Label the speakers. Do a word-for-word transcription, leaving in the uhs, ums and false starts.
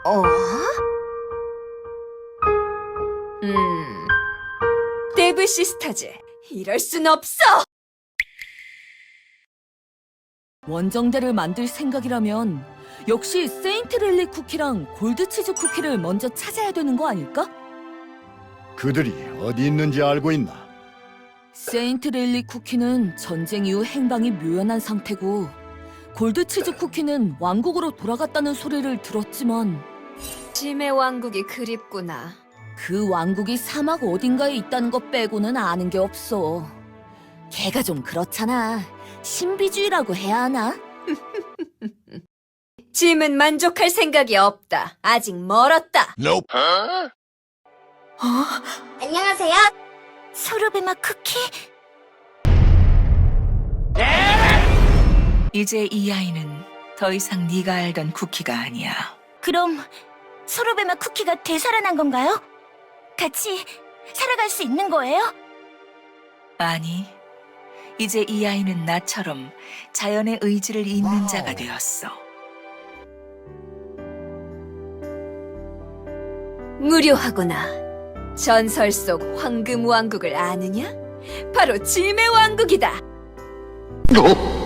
Speaker 1: 어? 음, 데브 시스타즈, 이럴 순 없어!
Speaker 2: 원정대를 만들 생각이라면 역시 세인트릴리 쿠키랑 골드치즈 쿠키를 먼저 찾아야 되는 거 아닐까?
Speaker 3: 그들이 어디 있는지 알고 있나?
Speaker 2: 세인트릴리 쿠키는 전쟁 이후 행방이 묘연한 상태고 골드치즈 쿠키는 왕국으로 돌아갔다는 소리를 들었지만
Speaker 1: 짐의 왕국이 그립구나.
Speaker 2: 그 왕국이 사막 어딘가에 있다는 것 빼고는 아는 게 없어. 걔가 좀 그렇잖아. 신비주의라고 해야 하나?
Speaker 1: 짐은 만족할 생각이 없다. 아직 멀었다.
Speaker 4: 안녕하세요. 소르베마 쿠키?
Speaker 5: 이제 이 아이는 더 이상 네가 알던 쿠키가 아니야.
Speaker 4: 그럼 소르베마 쿠키가 되살아난 건가요? 같이 살아갈 수 있는 거예요?
Speaker 5: 아니, 이제 이 아이는 나처럼 자연의 의지를 잇는 자가 되었어.
Speaker 1: 무료하구나. 전설 속 황금 왕국을 아느냐? 바로 짐의 왕국이다.
Speaker 3: 어?